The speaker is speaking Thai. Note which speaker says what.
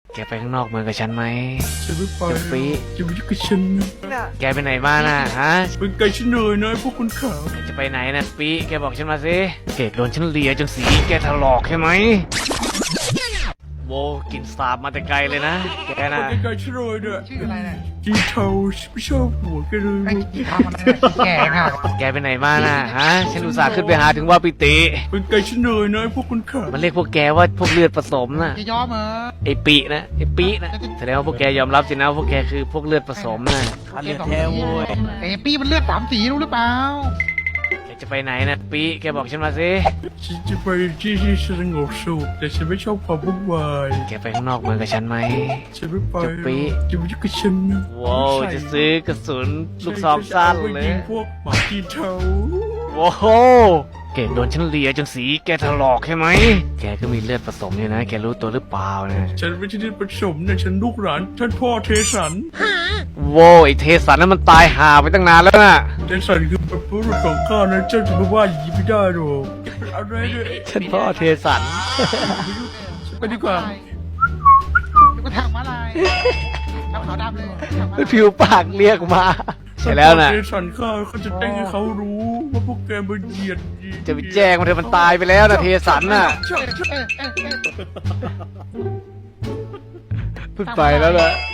Speaker 1: แกไปข้างนอกเมืองกับฉันไหม
Speaker 2: ฉันไม่ไป
Speaker 1: จะปี
Speaker 2: จะไปยุ่งกับฉันนะ
Speaker 1: แกไปไหนมาน่ะฮะ
Speaker 2: เป็นไก่ฉันเลยนะพวกคนขาว
Speaker 1: จะไปไหนนะปีแกบอกฉันมาสิเกดโดนฉันเลียจนสีแกถลอกใช่ไหมโวกินสาบมาแต่ไกลเลยนะแกน่ะ
Speaker 2: เป็นไก่ฉันเลยเนี่ย
Speaker 3: ชื่ออะไรเนี่ย
Speaker 2: กีเทาฉันไม่ชอบหัวแกเลย
Speaker 3: ไอ้กี่ทำอะไรเนี่ยขี้แก่ค่ะ
Speaker 1: แกไปไหนมาน่ะฮะฉันอุตส่าห์ขึ้นไปหาถึงว่าปิติ
Speaker 2: เป็นไก่ฉันเลยนะพวกคนขาว
Speaker 1: มันเรียกพวกแกว่าพวกเลือดผสมน่ะ
Speaker 3: จะยอมเหรอ
Speaker 1: ไอ้ปีนะไอ้ปีนะแสดงว่าพวกแกยอมรับสินะว่าพวกแกคือพวกเลือดผสมน่ะ
Speaker 3: เลือดแท้โว้ยไอ้ปี้มันเลือด3 สีรู้หรือเปล่า
Speaker 1: แกจะไปไหนนะปีแกบอกฉันมาสิ
Speaker 2: ฉันจะไปที่สงบสุขแต่ฉันไม่ชอบความวุ่นวาย
Speaker 1: แกไปข้างนอกเมืองกับฉันไหม
Speaker 2: ฉันไม่ไป
Speaker 1: จะปี
Speaker 2: จะไปยุ่งกับฉันนะ
Speaker 1: ว้าวจะซื้อกระสุนลูกซองสั้นเลย
Speaker 2: ฉันจะอาไปงพวกหมากีเทา
Speaker 1: ว้าวเก่งโดนฉันเลียจนสีแกถลอกใช่ไหมแกก็มีเลือดผสมอยู่นะแกรู้ตัวหรือเปล่านะ
Speaker 2: ฉันไม่ใช่ที่ผสมเนี่ยฉันลูกหลานท่านพ่อเทสัน
Speaker 1: ว้าวไอ้เทสันนั้นมันตายห่าไปตั้งนานแล้วน่ะ
Speaker 2: เทสันคือเป็นผู้รุ่นของข้านะเจ้าจะมาว่าอย่างนี้ไม่ได้หรอกอะไรเนี่ย
Speaker 1: ฉันพ่อเทสัน
Speaker 2: ไปดีกว่า
Speaker 3: เดี๋ยวก็ทางมาลายทำขาวดำเลยทางม้าลาย
Speaker 1: ผิวปากเรียกมาใช่แล้วนะ
Speaker 2: เทสันข้าเขาจะแจ้งให้เขารู้ว่าพวกแกมาเหยียด
Speaker 1: จะไปแจ้งมันเถอะมันตายไปแล้วนะเทสันน่ะ
Speaker 2: ใช่
Speaker 3: เอ้ย
Speaker 1: เพิ่งไปแล้วนะ